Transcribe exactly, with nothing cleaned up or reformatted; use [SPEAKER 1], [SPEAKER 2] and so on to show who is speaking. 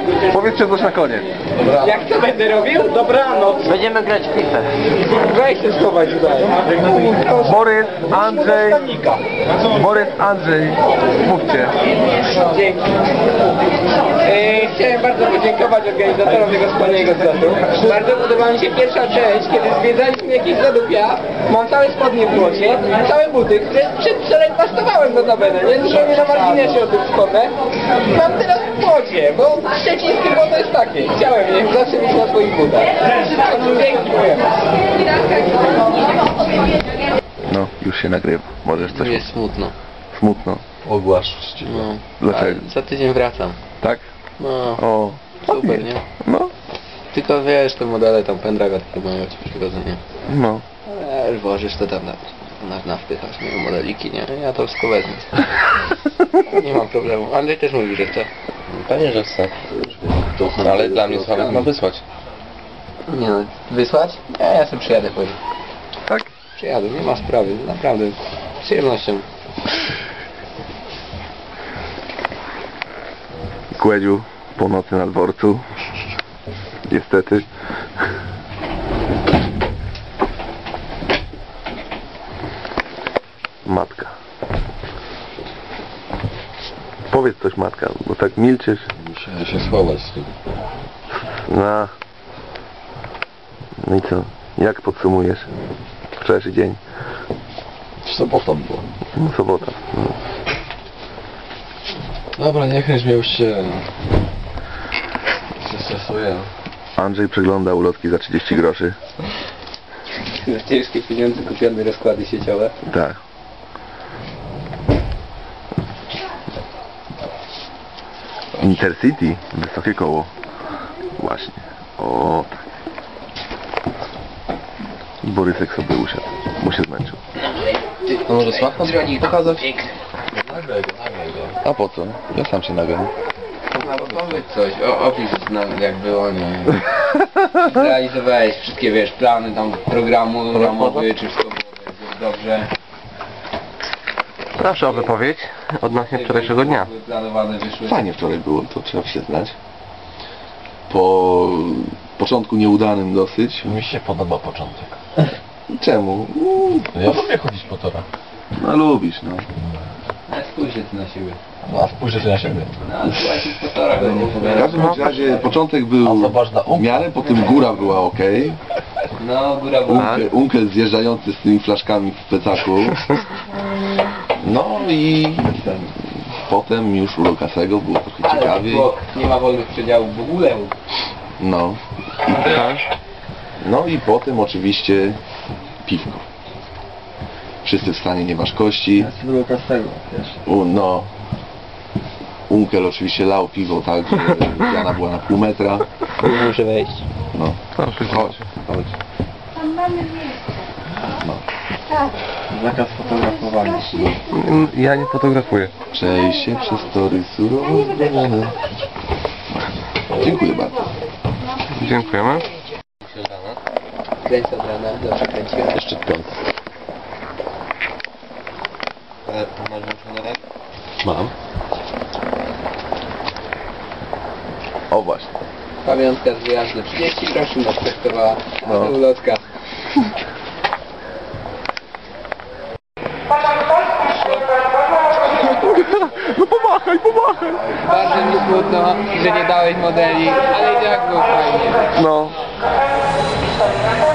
[SPEAKER 1] Powiedzcie coś na koniec.
[SPEAKER 2] Jak to będę robił? Dobranoc.
[SPEAKER 3] Będziemy grać w FIFA.
[SPEAKER 2] Weź się schować tutaj.
[SPEAKER 1] Borys, Andrzej. Borys, Andrzej. Mówcie.
[SPEAKER 2] Dzięki. E, chciałem bardzo podziękować organizatorom tego wspaniałego zlotu. Bardzo podoba mi się pierwsza część, kiedy zwiedzaliśmy jakieś lodówia. Mam całe spodnie w błocie, całe buty, które przedwczoraj pastowałem notabene, nie? Zupełnie na marginesie o tym wspomnę. Mam teraz w błocie, bo szczecińskie błoto jest takie. Chciałem je zawsze mieć na swoich butach. Dzięki.
[SPEAKER 1] No, już się nagrywa. Możesz coś
[SPEAKER 3] Jest smutno.
[SPEAKER 1] smutno.
[SPEAKER 4] Ogłaszczcie.
[SPEAKER 3] No.
[SPEAKER 1] Dlaczego?
[SPEAKER 3] A za tydzień wracam.
[SPEAKER 1] Tak?
[SPEAKER 3] No.
[SPEAKER 1] O,
[SPEAKER 3] Super, nie?
[SPEAKER 1] No,
[SPEAKER 3] Tylko wiesz, te modele tam pendrive'a takie mają ci przychodzenie.
[SPEAKER 1] no.
[SPEAKER 3] Eee, włożysz to tam na, na, na wpychasz, nie? Modeliki, nie? Ja to wszystko wezmę. Nie mam problemu. Andrzej też mówi, że chce.
[SPEAKER 4] Pewnie, że chcę. Ale dla mnie Sławek ma wysłać.
[SPEAKER 3] Nie no, wysłać? Nie, ja sobie przyjadę później.
[SPEAKER 1] Tak?
[SPEAKER 3] Przyjadę, nie ma sprawy, naprawdę. Z przyjemnością.
[SPEAKER 1] Kłedziu, po nocy na dworcu. Niestety. Matka. Powiedz coś, matka, bo tak milczysz.
[SPEAKER 4] Muszę się schować z tym.
[SPEAKER 1] No. No i co? Jak podsumujesz wczorajszy dzień?
[SPEAKER 4] Sobota była.
[SPEAKER 1] No, sobota. No.
[SPEAKER 4] Dobra, nie kręć mnie, już się... się stresuję.
[SPEAKER 1] Andrzej przegląda ulotki za trzydzieści groszy.
[SPEAKER 3] Za ciężkie pieniądze kupione rozkłady sieciowe.
[SPEAKER 1] Tak. Intercity, wysokie koło. Właśnie. O, tak. I Borysek sobie usiadł, bo się zmęczył.
[SPEAKER 4] To może Sławka pokazać? Nagraj go, nagraj go. A po co? Ja sam się nagram.
[SPEAKER 3] No powiedz coś, o, opisz nam jak było, nie? Zrealizowałeś wszystkie, wiesz, plany tam programu ramowy, czy wszystko było dobrze?
[SPEAKER 5] Proszę o wypowiedź odnośnie wczorajszego dnia.
[SPEAKER 3] Planowane wyszły.
[SPEAKER 4] Fajnie wczoraj było, to trzeba przyznać. Po początku nieudanym dosyć.
[SPEAKER 6] Mi się podoba początek.
[SPEAKER 4] Czemu?
[SPEAKER 6] Ja lubię chodzić po torach.
[SPEAKER 4] No lubisz, no.
[SPEAKER 3] Ale spójrz ty na siebie.
[SPEAKER 6] No, a spójrzcie ty na siebie.
[SPEAKER 3] No ale słuchajcie, po torach będzie
[SPEAKER 4] W
[SPEAKER 3] pogadać.
[SPEAKER 4] każdym bądź razie początek był
[SPEAKER 6] A zobacz na
[SPEAKER 4] w
[SPEAKER 6] umkę.
[SPEAKER 4] miarę, potem góra była ok.
[SPEAKER 3] No, góra była.
[SPEAKER 4] Unkel, unkel zjeżdżający z tymi flaszkami w plecaku. No i potem już u Lokasego było trochę
[SPEAKER 3] Ale
[SPEAKER 4] ciekawiej.
[SPEAKER 3] bok, nie ma wolnych przedziałów w ogóle.
[SPEAKER 4] No. No i potem oczywiście piwko. Wszyscy w stanie nieważkości. U, no. Unkel oczywiście lał piwo tak, że piana była na pół metra.
[SPEAKER 3] Nie muszę wejść.
[SPEAKER 4] No. Chodź, chodź. No.
[SPEAKER 2] Zakaz fotografowania.
[SPEAKER 1] Ja nie fotografuję.
[SPEAKER 4] Przejście przez tory surowo zbrojone. Dziękuję bardzo.
[SPEAKER 1] Dziękujemy.
[SPEAKER 3] Kręcę od rana, dobrze kręciłem.
[SPEAKER 4] Jeszcze piątek.
[SPEAKER 6] Masz włączony?
[SPEAKER 4] Mam. O właśnie.
[SPEAKER 3] Pamiątka z wyjazdu trzydzieści groszy nas kosztowała.
[SPEAKER 4] No.
[SPEAKER 3] No. Ulotka.
[SPEAKER 1] No pomachaj, pomachaj!
[SPEAKER 3] Bardzo mi smutno, że nie dałeś modeli, ale i tak było fajnie.
[SPEAKER 1] No.